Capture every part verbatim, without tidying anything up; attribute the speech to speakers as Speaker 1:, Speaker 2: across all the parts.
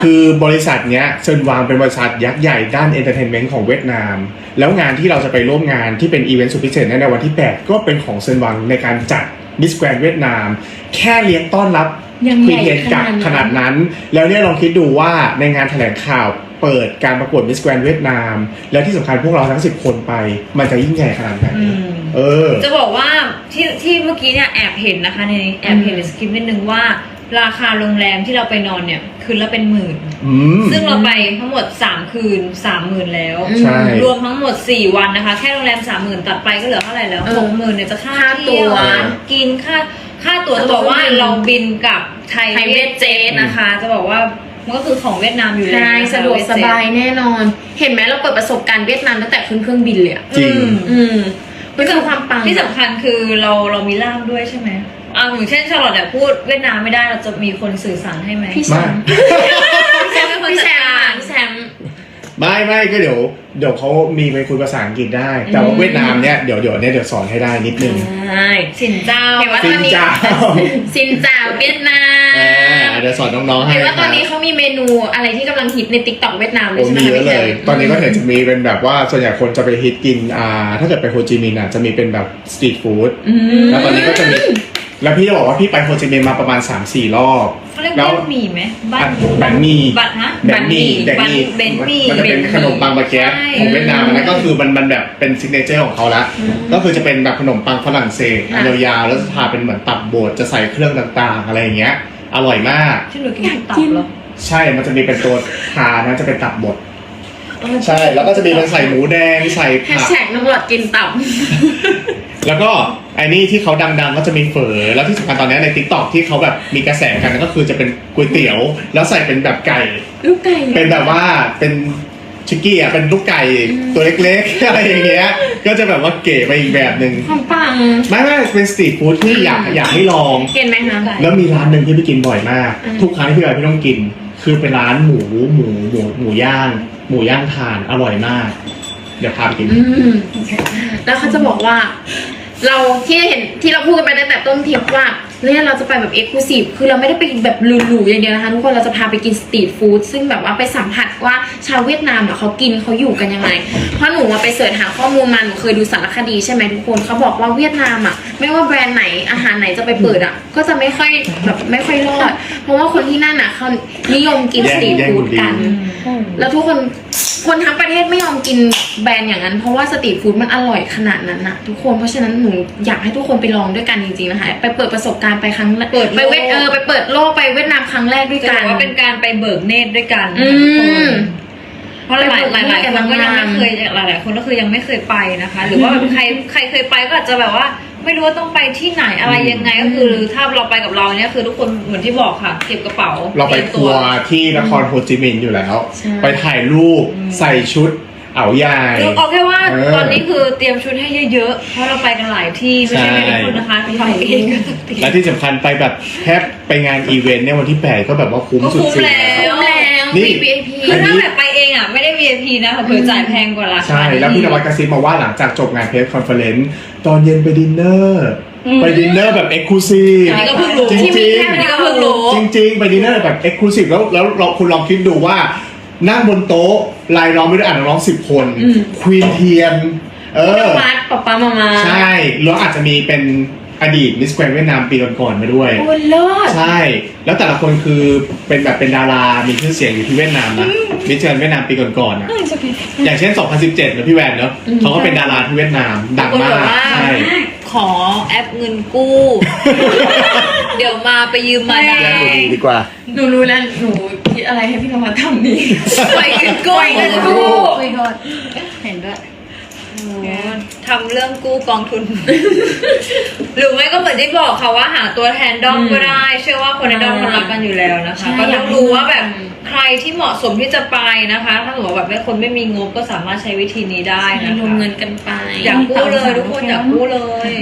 Speaker 1: คือบริษัทเนี้ยเซินวางเป็นบริษัทยักษ์ใหญ่ด้านเอนเตอร์เทนเมนต์ของเวียดนามแล้วงานที่เราจะไปร่วมงานที่เป็นอีเวนต์สุดพิเศษในวันที่แปดก็เป็นของเซินวางในการจัดมิสแกรนด์เวียดนามแค่เลี้ยงต้อนรับพีเทียนกับขนาดนั้นแล้วเนี่ยลองคิดดูว่าในงานแถลงข่าวเปิดการประกวดมิสแกรนด์เวียดนามแล้วที่สำคัญพวกเราทั้งสิบคนไปมันจะยิ่งใหญ่ขนาดไหนเออ
Speaker 2: จะบอกว่าที่ที่เมื่อกี้เนี่ยแอบเห็นนะคะในแอบเห็นในสคริปต์นิดนึงว่าราคาโรงแรมที่เราไปนอนเนี่ยคืนละเป็นหมื่นซึ่งเราไปทั้งหมดสามคืนสามหมื่นแล้วรวมทั้งหมดสี่วันนะคะแค่โรงแรมสามหมื่นตัดไปก็เหลือเท่าไหร่แล้วหกหมื่นเนี่ยจะค่าตัวกินค่าค่าตั๋วจะบอกว่าเราบินกับไทยเวทเจ็ตนะคะจะบอกว่ามันก็คือของเวียดนามอยู่แล้ว
Speaker 3: สะดวกสบายแน่นอนเห็นไหมเราเปิดประสบการณ์เวียดนามตั้งแต่ขึ้นเครื่องบินเลย
Speaker 1: จริง
Speaker 3: อืมมันคือความปัง
Speaker 2: ที่สำคัญคือเราเรามีล่ามด้วยใช่ไหมอ่าอย่างเช่นชาลอตเนี่ยพูดเวียดนามไม่ได้เราจะมีคนสื่อสารให้ไหม
Speaker 3: พี่แชมป์พี่แชมป์เป็นคนจัดการพี่แชมป์
Speaker 1: ไม่ไม่ก็เดี๋ยวเดี๋ยวเขามีไปคุยภาษาอังกฤษได้แต่ว่าเวียดนามเนี่ยเดี๋ยวเดี๋ยวเนี่ยเดี๋ยวสอนให้ได้นิดนึง
Speaker 3: ใช่
Speaker 2: สินเจ้า
Speaker 3: เห็นว่าตอนนี้สินเจ้าเวียดนาม
Speaker 1: เดี๋ยวสอนน้องๆให้
Speaker 3: เห็นว่าตอนนี้เขามีเมนูอะไรที่กำลังฮิตใน ติ๊กต็อก เวียดนามเลยใช่ไหม
Speaker 1: มีเยอะเลยตอนนี้ก็เห็นจะมีเป็นแบบว่าส่วนใหญ่คนจะไปฮิตกินอ่าถ้าเกิดไปโฮจิมินห์อ่ะจะมีเป็นแบบสตรีทฟู้ดแล้วตอนนี้ก็จะมีแล้วพี่จะบอกว่าพี่ไปโฮจิมินห์มาประมาณ สามสี่ รอบ
Speaker 2: เขาเรียกว่าหมี่ไหมบัต
Speaker 1: บัตมี่
Speaker 2: บัตฮะ
Speaker 1: บัตมี่แบนมี่
Speaker 2: เบนมี่
Speaker 1: มันจะเป็นขนมปังบาเกตของเวียดนามนะก็คือมันมันแบบเป็นซิกเนเจอร์ของเขาละก็คือจะเป็นแบบขนมปังฝรั่งเศสยาวๆแล้วจะทาเป็นเหมือนตับบดจะใส่เครื่องต่างๆอะไรอย่างเงี้ยอร่อยมาก
Speaker 2: ที่หนูกินตับเหรอ
Speaker 1: ใช่มันจะมีเป็นตัวทานะจะเป็นตับบดใช่แล้วก็จะมีเป็นใส่หมูแดงใส่ผัก
Speaker 3: แฉกน้ำหลอดกินตับ
Speaker 1: แล้วก็ไอ้นี่ที่เขาดังๆก็จะมีเฝอแล้วที่สำคัญตอนนี้ใน ติ๊กต็อก ที่เขาแบบมีกระแสกันก็คือจะเป็นก๋วยเตี๋ยวแล้วใส่เป็นแบบไก่
Speaker 3: ลูกไก่
Speaker 1: เป็นแบบว่าเป็นชิคกี้อ่ะเป็นลูกไก่ตัวเล็กๆอะไรอย่างเงี้ยก็จะแบบว่าเก๋ไปอีกแบบนึง
Speaker 3: ของปัง
Speaker 1: ไม่ไม่เป็นสตรีทฟู้ดที่อยากอยากให้ลอง
Speaker 3: เห็นไหมคะ
Speaker 1: แล้วมีร้านนึงที่พี่กินบ่อยมากทุกครั้งที่พี่ไปพี่ต้องกินคือเป็นร้านหมูหมูหมูหมูย่างหมูย่างถ่านอร่อยมากเดี๋ยวพาไปกิน
Speaker 3: แล้วเขาจะบอกว่าเราที่เห็นที่เราพูดกันไปตั้งแต่ต้นทริปว่าเนี่ยเราจะไปแบบเอ็กซ์คลูซีฟคือเราไม่ได้ไปแบบหรูๆอย่างเดียวนะคะทุกคนเราจะพาไปกินสตรีทฟู้ดซึ่งแบบว่าไปสัมผัสว่าชาวเวียดนามเขากินเขาอยู่กันยังไงเพราะหนูไปเสิร์ชหาข้อมูลมาหนูเคยดูสารคดีใช่ไหมทุกคนเขาบอกว่าเวียดนามอ่ะไม่ว่าแบรนด์ไหนอาหารไหนจะไปเปิดอ่ะก็จะไม่ค่อยแบบไม่ค่อยรอดเพราะว่าคนที่นั่นอ่ะเขานิยมกินสตรีทฟู้ดกันแล้วทุกคนคนทั้งประเทศไม่ยอมกินแบรนด์อย่างนั้นเพราะว่าสตรีทฟู้ดมันอร่อยขนาดนั้นนะทุกคนเพราะฉะนั้นหนูอยากให้ทุกคนไปลองด้วยกันจริงๆนะคะไปเปิดประสบการณ์ไปครั้งเปิดไปเวทเออไปเปิดโลกไปเวียดนามครั้งแรกด้วยกัน
Speaker 2: ว่าเป็นการไปเบิกเนตรด้วยกันเพราะหลายหลายหลายคนก็ยังไม่เคยหลายหลายคนก็คือยังไม่เคยไปนะคะหรือว่าแบบใครใครเคยไปก็อาจจะแบบว่าไม่รู้ว่าต้องไปที่ไหนอะไรยังไงก็คือถ้าเราไปกับเราเนี่ยคือทุกคนเหมือนที่บอกค่ะเก็บกระเป๋า
Speaker 1: เราไปทัวร์ที่นครโฮจิมินห์อยู่แล้วไปถ่ายรูปใส่ชุดเอาใหญ่
Speaker 2: เอาแค่ว่าตอนนี้คือเตรียมชุดให้เยอะๆเพราะเราไปกันหลายที่ไม่ใช่ไม่ได้คนนะคะไปเอง
Speaker 1: และที่สำคัญไปแบบแทบไปงานอีเวนต์เนี่ยวันที่แปดก็แบบว่าคุ้มสุดๆ
Speaker 2: แล้ว
Speaker 1: นี่
Speaker 2: วี ไอ พี คือถ้าแบบไปเองอ่ะไม่ได้ วี ไอ พี นะเผื่อจ่ายแพงกว่าราคา
Speaker 1: ใช่แล้วพี่นวัดกระซิบมาว่าหลังจากจบงานเพรสคอนเฟอเรนซ์ตอนเย็นไปดินเนอร์ไปดินเนอร์แบบเอ็กซ์คลูซีฟจริงจริงจริงจริงไปดินเนอร์แบบเอ็กซ์คลูซีฟแล้วแล้วเราคุณลองคิดดูว่านั่งบนโต๊ะรายล้อมไปด้วยอ่านน้องสิบคนควีนเทียนเออ
Speaker 3: วัดป๊าป๊ามามา
Speaker 1: ใช่แล้วอาจจะมีเป็นอดีตมิสแกรนด์เวียดนามปีก่อนๆมาด้วย
Speaker 3: โอ้เลิศ
Speaker 1: ใช่แล้วแต่ละคนคือเป็นแบบเป็นดารามีชื่อเสียงอยู่ที่เวียดนามนะมิสแกรนด์เวียดนามปีก่อนๆนะอย่างเช่นสองพันสิบเจ็ดนะพี่แวนเนาะเขาก็เป็นดาราที่เวียดนามดังมากใช่
Speaker 2: ขอแอปเงินกู้ เดี๋ยวมาไปยืมมาได้
Speaker 1: ดีกว่า
Speaker 3: หนูรู้แล้วหนูคิดอะไรให้พี่นวัดทำนี่
Speaker 2: ไปเงินกู้
Speaker 3: เงินกู้
Speaker 2: เห็นด้วยทำเรื่องกู้กองทุน หรือไม่ก็เหมือนที่บอกค่ะว่าหาตัวแทนด้อมก็ได้เชื่อว่าคนในด้อมเขารักกันอยู่แล้วนะคะก็ต้องรู้ว่าแบบใครที่เหมาะสมที่จะไปนะคะถ้าสมมติว่าแบบไม่คนไม่มีงบก็สามารถใช้วิธีนี้ได้นะคะ
Speaker 3: ลงเงินกันไป
Speaker 2: อยากกู้เลยทุกคนอยากกู้เลย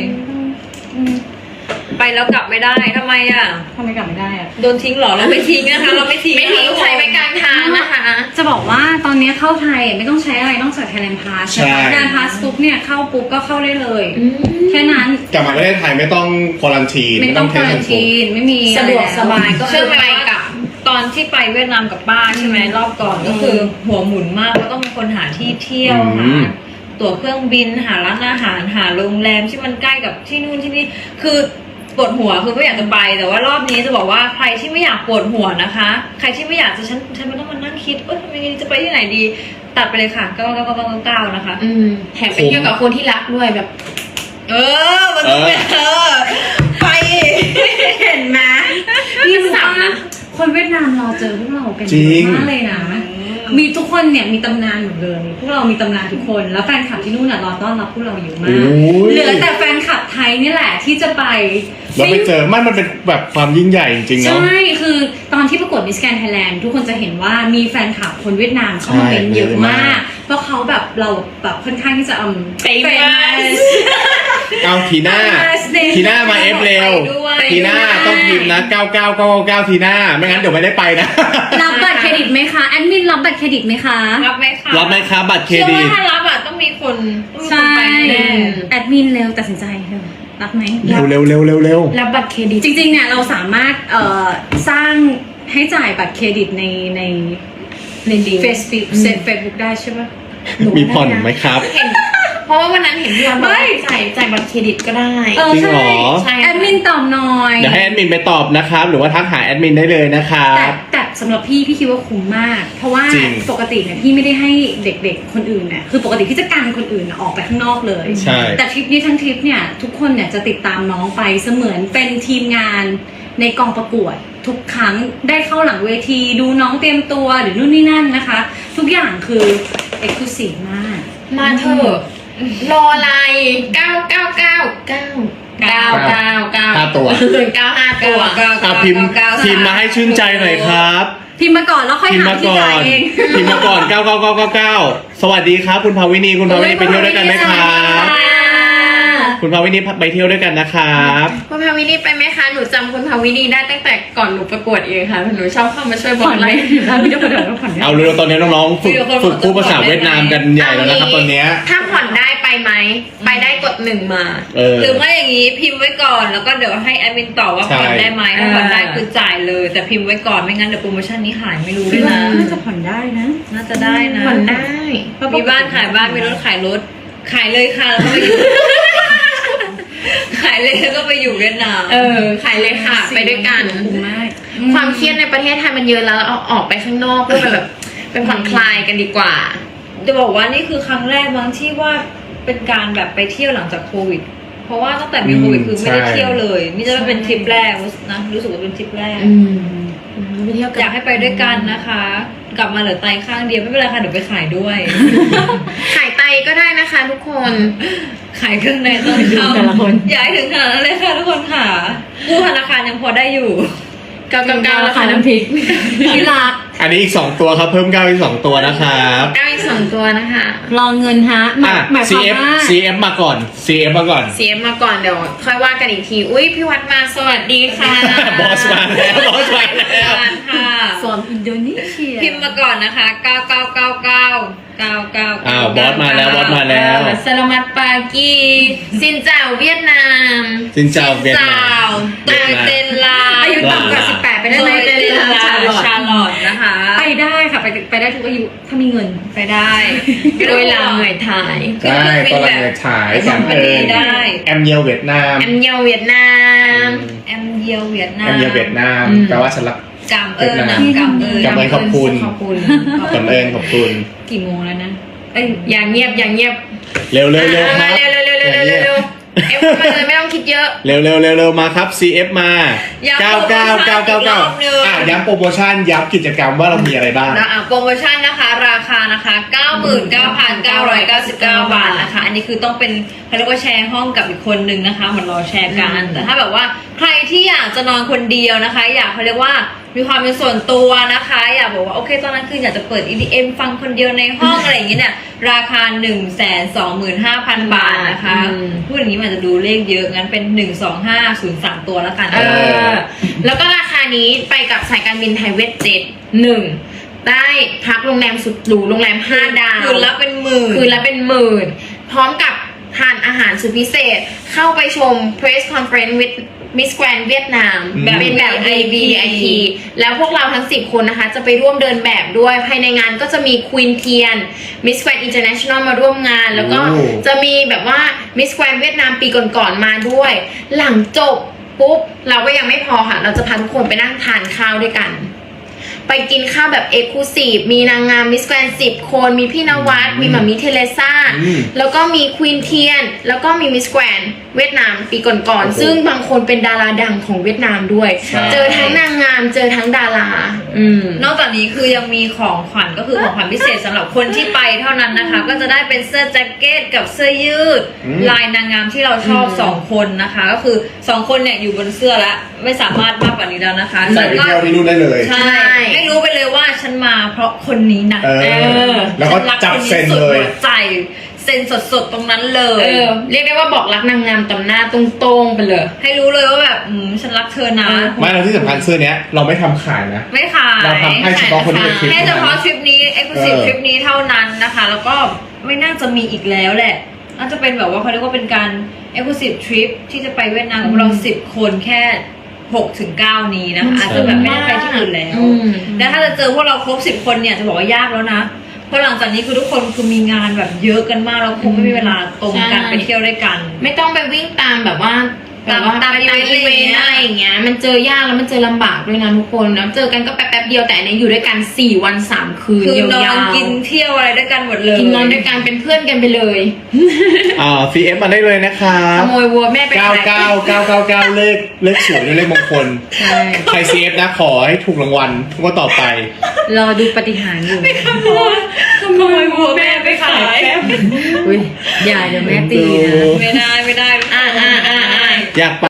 Speaker 2: ไปแล้วกลับไม่ได้ทำไมอ่ะ
Speaker 3: ทำไมกลับไม่ได้อ่ะ
Speaker 2: โดนทิ้งหรอเราไม่ทิ้งนะคะเราไม่ทิ้ง
Speaker 3: ไม่ทิ้งใครไปกลางทางนะคะ
Speaker 4: จะบอกว่าตอนนี้เข้าไทยไม่ต้องใช้อะไรนอกจากไทยแลนด์พาส
Speaker 1: ใช่
Speaker 4: ไทยแลนด์พาสปุ๊บเนี่ยเข้าปุ๊บก็เข้าได้เลยแค่นั้น
Speaker 1: กลับมาประเทศไทยไม่ต้องควอรันทีน
Speaker 4: ไม่ต้องควอรันทีนไม่มี
Speaker 3: สะดวกสบายก็
Speaker 2: เชื่อไหม
Speaker 3: ไปกับ
Speaker 2: ตอนที่ไปเวียดนามกับป้าใช่ไหมรอบก่อนก็คือหัวหมุนมากก็ต้องเป็นคนหาที่เที่ยว
Speaker 1: อื
Speaker 2: หาม ตั๋วเครื่องบินหาร้านอาหารหาโรงแรมที่มันใกล้กับที่นู่นที่นี่คือปวดหัวคือไม่อยากจะไปแต่ว่ารอบนี้จะบอกว่าใครที่ไม่อยากปวดหัวนะคะ ใครที่ไม่อยากจะฉันฉันไม่ต้องมานั่งคิดเออทำยังไงจะไปที่ไหนดีตัดไปเลยค่ะเก้าเก้าเก้าเก้าเก้านะคะ
Speaker 3: อืมแถมไปเที่ยวกับคนที่รักด้วยแบบ
Speaker 2: เออมันต้องเป็นเออไปเห็นไหม
Speaker 4: พี่รู้ว่าคนเวียดนามรอเจอพวกเรากัน
Speaker 1: จริ
Speaker 4: เย
Speaker 1: ง
Speaker 4: อะมากเลยนะ มีทุกคนเนี่ยมีตำนานหมดเลย พวกเรามีตำนานทุกคน แล้วแฟนคลับที่นู่นน่ะรอต้อนรับพวกเราอยู่มาก
Speaker 1: โอ้ย
Speaker 4: เหลือแต่แฟนคลับไทยนี่แหละที่จะไป
Speaker 1: เราไปเจอมันมันเป็นแบบความยิ่งใหญ่จริงๆเนาะ
Speaker 4: ใช่ คือตอนที่ประกวดมิสแกรนด์ไทยแลนด์ทุกคนจะเห็นว่ามีแฟนคลับคนเวียดนามเข้ามาเป็นเยอะมาก เพราะเขาแบบเราแบบค่อนข้างที่จะอืม
Speaker 3: famous
Speaker 1: เอาทีหน้า ทีหน้ามาเอฟเร็ว ทีหน้าต้องพิมพ์นะเก้าเก้าเก้าเก้าทีหน้าไม่งั้นเดี๋ยวไม่ได้ไปนะ
Speaker 4: รับบัตรเครดิตไหมคะแอดมินรับบัตรเครดิตไหมคะ
Speaker 2: รับไหมคะ
Speaker 1: รับไหมครับบัตรเคร
Speaker 2: เชื่อ
Speaker 1: ดิ
Speaker 2: ว่า
Speaker 1: ต
Speaker 2: ถ้ารับอ่ะต้องมีคนต้องมีคน
Speaker 4: ใช่
Speaker 2: ไปแน่
Speaker 4: แอดมินเร็วตัดสินใจเร็วรับไหม
Speaker 1: เร็วเร็วเร็วเร็วเร็ว
Speaker 3: รับบัตรเครดิต
Speaker 4: จริงๆเนี่ยเราสามารถเอ่อสร้างให้จ่ายบัตรเครดิตในใน
Speaker 3: ในดี
Speaker 4: เฟซบุ๊กเซฟเฟซบุ๊กได้ใช่ปะ
Speaker 1: มีผ่อนไหมครับ
Speaker 3: เห็นเพราะว่าวันนั้นเห็นพี่วันบอกว่าจ่ายจ่ายบัตรเครดิตก็ได้
Speaker 4: เออ
Speaker 1: จริงเหรอ
Speaker 4: ใช่แอดมินตอบหน่อย
Speaker 1: เดี๋ยวให้แอดมินไปตอบนะครับ หรือว่าทักหาแอดมินได้เลยนะครั
Speaker 4: แต่
Speaker 1: บ
Speaker 4: แต่สำหรับพี่พี่คิดว่าคุ้มมาก เพราะว่า
Speaker 1: จริง
Speaker 4: ปกติเนี่ยพี่ไม่ได้ให้เด็กๆคนอื่นเนี่ยคือปกติพี่จะกันคนอื่นออกไปข้างนอกเลย
Speaker 1: ใช่
Speaker 4: แต่ทริปนี้ทั้งทริปเนี่ยทุกคนเนี่ยจะติดตามน้องไปเสมือนเป็นทีมงานในกองประกวด ทุกครั้งได้เข้าหลังเวทีดูน้องเตรียมตัวหรือนู่นนี่นั่นนะคะ ทุกอย่างคือเอ็กซ์คลูซีฟมาก
Speaker 3: มาเถอะรออะไรเก้าเก้าเก้าเก้าเก้าเก้าเก้า
Speaker 1: ห้าตัว
Speaker 3: เก้าห้าตัว
Speaker 2: เก้า
Speaker 1: อ่ะพิมพ์พิมพ์มาให้ชื่นใจหน่อยครับ
Speaker 4: พิมพ์มาก่อนแล้วค่อย
Speaker 1: พิมพ์
Speaker 4: หา
Speaker 1: มา
Speaker 4: ที่
Speaker 1: ก่อ
Speaker 4: จ่าย
Speaker 1: น
Speaker 4: เอง
Speaker 1: พิมพ์มาก่อนเก้าเก้าเก้าเก้าเก้าสวัสดีครับ คุณภาวินีคุณภาวินีไปเที่ยวด้วยกันไหมครับ คุณภาวินีไปเที่ยวด้วยกันนะครับ
Speaker 3: คุณพาวินีไปไหมคะหนูจำคุณพาวินีได้ตั้งแต่ก่อนหนูประกวดเองค่ะหนูชอบเข้ามาช่วยบอ
Speaker 4: ผ่อก น
Speaker 3: ไล
Speaker 4: ไล
Speaker 3: ฟ์
Speaker 4: ฟ์พี่จะผ่อนเดี๋ยวผ่อน
Speaker 1: เอาเร็วๆตอนนี้น้องๆฝึกฝึกพูดภาษาเวียดนามกันใหญ่แล้วนะครับตอนเนี้ย
Speaker 3: ถ้าผ่อนได้ไปไหมไปได้กดหนึ่งมา
Speaker 1: เออ
Speaker 2: หรือไม่อย่างนี้พิมพ์ไว้ก่อนแล้วก็เดี๋ยวให้แอดมินตอบว่า
Speaker 1: ใช่
Speaker 2: ผ่อนได้ไหมถ้าผ่อนได้คือจ่ายเลย แต่พิมพ์ไว้ก่อนไม่งั้นเดี๋ยวโปรโมชั่นนี้หายไม่รู้ด้วยนะ
Speaker 4: น่าจะผ่อนได้นะ
Speaker 2: น่าจะได้นะ
Speaker 3: ผ่อนได้
Speaker 2: มีบ้านขายบ้านมีรถขายรถขายเลยค่ะแล้วก็ไปอยู่ ขายเลยแล้วก็ไปอยู่เวียดนาม
Speaker 3: เออขายเลยค่ะไปด้วยกัน
Speaker 4: คุ้มมาก
Speaker 3: ความเครียดในประเทศไทยมันเยอะแล้วเอาออกไปข้างนอกเพื่อไปแบบเป็นผ่อนคลายกันดีกว่า
Speaker 2: จะบอกว่านี่คือครั้งแรกมั้งที่ว่าเป็นการแบบไปเที่ยวหลังจากโควิด เพราะว่าตั้งแต่มีโควิดคือไม่ได้เที่ยวเลยนี่จะเป็นทริปแรกนะรู้สึกว่าเป็นทริปแรก
Speaker 3: อืมไปเที่ยวกัน
Speaker 2: อยากให้ไปด้วยกันนะคะ กลับมาเหลือไตข้างเดียวไม่เป็นไรค่ะเดี๋ยวไปขายด้วย
Speaker 3: ขายไตก็ได้นะคะทุกคน
Speaker 2: ขายเครื่องในตอนเข้า
Speaker 4: แต่ละคน
Speaker 2: ย้ายถึงขนาดนั้นเลยค่ะทุกคนค่ะกู้ธนาคารยังพอได้อยู่
Speaker 3: เก้าเก้าเก้าราคาน้ำพริก
Speaker 4: ที่รัก
Speaker 1: อันนี้อีกสองตัวครับเพิ่มเก้าอีกสองตัวนะครับ
Speaker 3: เก้าอีกสองตัวนะคะ
Speaker 4: รอเงินฮะหมาย
Speaker 1: อ่ะ
Speaker 4: หมายความ
Speaker 1: ซี เอฟ
Speaker 4: ว่า
Speaker 1: ซี เอฟ มาก่อน ซี เอฟ มาก่อน
Speaker 3: เสียมาก่อนเดี๋ยวค่อยว่ากันอีกที อุ้ยพี่วัดมาสวัสดีค่ะ
Speaker 1: บอสมาแล้วบอสมาแล้ว
Speaker 2: ค่ะ
Speaker 4: สอนอินโดนีเซีย
Speaker 2: พิมพ์มาก่อนนะคะเก้าเก้าเก้าเก้าเก้าเก้า
Speaker 1: อ้าวบอสมาแล้วบอสมาแล้ว
Speaker 3: สลามัดปากีซินเจ้าเวียดนาม
Speaker 1: สินเจ้าเวียดนาม
Speaker 2: ตัวเตนลา
Speaker 4: อายุต่ำกว่าสิบแปดไปได้
Speaker 2: ตัว
Speaker 4: ไหม
Speaker 2: เตนลา
Speaker 4: ชาลอต
Speaker 2: ชาลอตนะคะ
Speaker 4: ไปได้ค่ะไปไปได้ทุกอายุถ้ามีเงิน
Speaker 2: ไปได้
Speaker 3: โดยลาเหนื่อยถ่าย
Speaker 1: ได้ตอนหลังเนี่ยฉายแอมเอิญ
Speaker 2: ได้
Speaker 1: แอมเยียวเวียดนาม
Speaker 3: แอมเยาเวียดนาม
Speaker 2: แอมเยียวเวียดนา
Speaker 1: แอ
Speaker 2: ม
Speaker 1: มเยียวเวียดนาม
Speaker 3: อืม
Speaker 1: แปลว่าฉันรัก
Speaker 2: กำเอิญนะ
Speaker 1: เวียดนาม
Speaker 2: กำเอิญ
Speaker 1: กำเอิญขอบคุณ
Speaker 3: ขอบคุณ
Speaker 1: แอมเอิญขอบคุณ
Speaker 4: กี่โมงแล้วนะเอ้ย
Speaker 3: อย่างเงียบอย่างเงียบ
Speaker 1: เร็วเร็วเร็วค
Speaker 3: มา
Speaker 1: รับ
Speaker 3: เร็วเร็วเร็วเร็วเร็วเร็วเอฟมาเลยไม่ต้องคิดเยอะ
Speaker 1: เร็วเร็วเร็วเร็วมาครับ ซี เอฟ มา
Speaker 2: ย้ำ
Speaker 1: เก้าเก้าเก้าเก้าเก้า
Speaker 2: โปรโมชั่นอีกรอบหนึ่ง
Speaker 1: อ่ะย้ำโปรโมชั่นย้ำกิจกรรมว่าเรามีอะไรบ้าง
Speaker 2: นะอ่ะโปรโมชั่นนะคะ ราคานะคะ เก้าหมื่นเก้าพันเก้าร้อยเก้าสิบเก้า บาทนะคะ อันนี้คือต้องเป็นเขาเรียกว่าแชร์ห้องกับอีกคนนึงนะคะเหมือนเราแชร์กัน
Speaker 3: อืม
Speaker 2: แต่ถ้าแบบว่าใครที่อยากจะนอนคนเดียวนะคะ อยากเขาเรียกว่ามีความเป็นส่วนตัวนะคะ อยากบอกว่าโอเคตอนนั้นคืออยากจะเปิด อี ดี เอ็ม ฟังคนเดียวในห้อง อะไรอย่างเงี้ยเนี่ยราคา หนึ่งแสนสองหมื่นห้าพัน บาทนะคะ
Speaker 3: อืม
Speaker 2: พูดอย่างนี้มันจะดูเลขเยอะงั้นเป็นหนึ่งสองห้าศูนย์สามตัวแล้วกัน
Speaker 3: เออ แล้วก็ราคานี้ไปกับสายการบินไทยเวทเจ็ตหนึ่งได้พักโรงแรมสุดหรูโรงแรมห้าดาว
Speaker 2: คืนละเป็นหมื่น
Speaker 3: คืนละเป็นหมื่น พร้อมกับทานอาหารสุดพิเศษ เข้าไปชม press conference with Miss Grand เวียดนาม
Speaker 1: อืม
Speaker 3: แบบเป็นแบบ วี ไอ พี แล้วพวกเราทั้งสิบคนนะคะ จะไปร่วมเดินแบบด้วย ภายในงานก็จะมี Queen Tian Miss Grand International มาร่วมงาน แล้วก็
Speaker 1: โอ้
Speaker 3: จะมีแบบว่า Miss Grand เวียดนามปีก่อนๆมาด้วย หลังจบปุ๊บ เราก็ยังไม่พอค่ะ เราจะพาทุกคนไปนั่งทานข้าวด้วยกัน ไปกินข้าวแบบเอกลูซีฟมีนางงามมิสแกรนด์สิบคน มีพี่นวัด มีหมามิเทเลซ่า
Speaker 1: อืม
Speaker 3: แล้วก็มีควีนเทียน แล้วก็มีมิสแกรนด์เวียดนามปีก่อน
Speaker 1: โอ้โห
Speaker 3: ๆ ซึ่งบางคนเป็นดาราดังของเวียดนามด้วย
Speaker 1: ใช่
Speaker 3: เจอทั้งนางงาม เจอทั้งดารา อืม
Speaker 2: นอกจากนี้คือยังมีของขวัญก็คือของขวัญพิเศษสำหรับคนที่ไปเท่านั้นนะคะ ก็จะได้เป็นเสื้อแจ็คเก็ตกับเสื้อยืด
Speaker 1: อืม
Speaker 2: ลายนางงามที่เราชอบ
Speaker 3: อืม
Speaker 2: สองคนนะคะ ก็คือสองคนเนี่ยอยู่บนเสื้อแล้วไม่สามารถมากกว่านี้แล้วนะคะ
Speaker 1: ใส่ไปเที่ยวที่นู่นได้เลย
Speaker 2: ใช่ให้รู้ไปเลยว่าฉันมาเพราะคนนี้นะ
Speaker 1: เออ
Speaker 3: เออ
Speaker 1: แล้วก็
Speaker 2: ฉัรั
Speaker 1: จับ
Speaker 2: คน
Speaker 1: เซ็น
Speaker 2: สุด
Speaker 1: เลย
Speaker 2: หัวใจเซ็นสดๆตรงนั้นเล
Speaker 3: เอย อ เรียกได้ว่าบอกรักนางงามต่อหน้าตรงๆไปเลย
Speaker 2: ให้รู้เลยว่าแบบอืมฉันรักเธอนะ
Speaker 3: เออ
Speaker 1: ไม่แล้วที่สำคัญเสื้อเนี้ยเราไม่ทำขายนะ
Speaker 2: ไม่ขาย
Speaker 1: เราทำให้เฉพาะคนที่เป็นคลิป
Speaker 2: แค่เฉพาะทริปนี้ เอ็กซ์คลูซีฟ
Speaker 1: เออ
Speaker 2: ทริปนี้เท่านั้นนะคะ แล้วก็ไม่น่าจะมีอีกแล้วแหละ น่าจะเป็นแบบว่าเขาเรียกว่าเป็นการ เอ็กซ์คลูซีฟ ทริปที่จะไปเวียดนามของเราสิบคนแค่หกถึงเก้านี้นะคะอาจจะแบบไม่ได้ไปที่อื่นแล้ว
Speaker 3: อืม
Speaker 2: แล้วถ้าจะเจอพวกเราครบสิบคนเนี่ยจะบอกว่ายากแล้วนะ เพราะหลังจากนี้คือทุกคนคือมีงานแบบเยอะกันมากแล้วคงไม่มีเวลาตรงกัน
Speaker 3: ใช่
Speaker 2: ไปเที่ยวด้วยกัน
Speaker 3: ไม่ต้องไปวิ่งตามแบบว่า
Speaker 2: ตาม
Speaker 3: แบบว่า
Speaker 2: ตาม
Speaker 3: ไปตาม
Speaker 2: อี
Speaker 3: อี
Speaker 2: เว
Speaker 3: เวน
Speaker 2: ต์
Speaker 3: ต์อะไรอย่างเงี้ย มันเจอยากแล้วมันเจอลำบากด้วยนะทุกคนนะเจอกันก็แป๊บๆเดียวแต่อันนี้อยู่ด้วยกันสี่วันสามคืน
Speaker 2: คือนอย
Speaker 3: าน ว
Speaker 2: กินเที่ยวอะไรด้วยกันหมดเลย
Speaker 3: ๆกินนอนด้วยกันเป็นเพื่อนกันไปเลย
Speaker 1: อ่า ซี เอฟ มาได้เลยนะคะ
Speaker 3: ขโมยวัวแม่ไป
Speaker 1: เก้า
Speaker 3: ขาย
Speaker 1: เก้าเก้าเก้าเก้าเลขเลขสวยด้วยเลขมงคล
Speaker 3: ใช่
Speaker 1: ใคร ซี เอฟ นะขอให้ถูกรางวัลว่าต่อไป
Speaker 4: รอดูปฏิหารย์อยู่
Speaker 2: ขโมยวัวแม่ไปขาย
Speaker 4: อุ้ยอย่าเดี๋ยวแม่ตีนะ
Speaker 2: ไม่ได้ไม่ได้
Speaker 3: อ่าอ่าอ่าอ่า
Speaker 1: อยากไป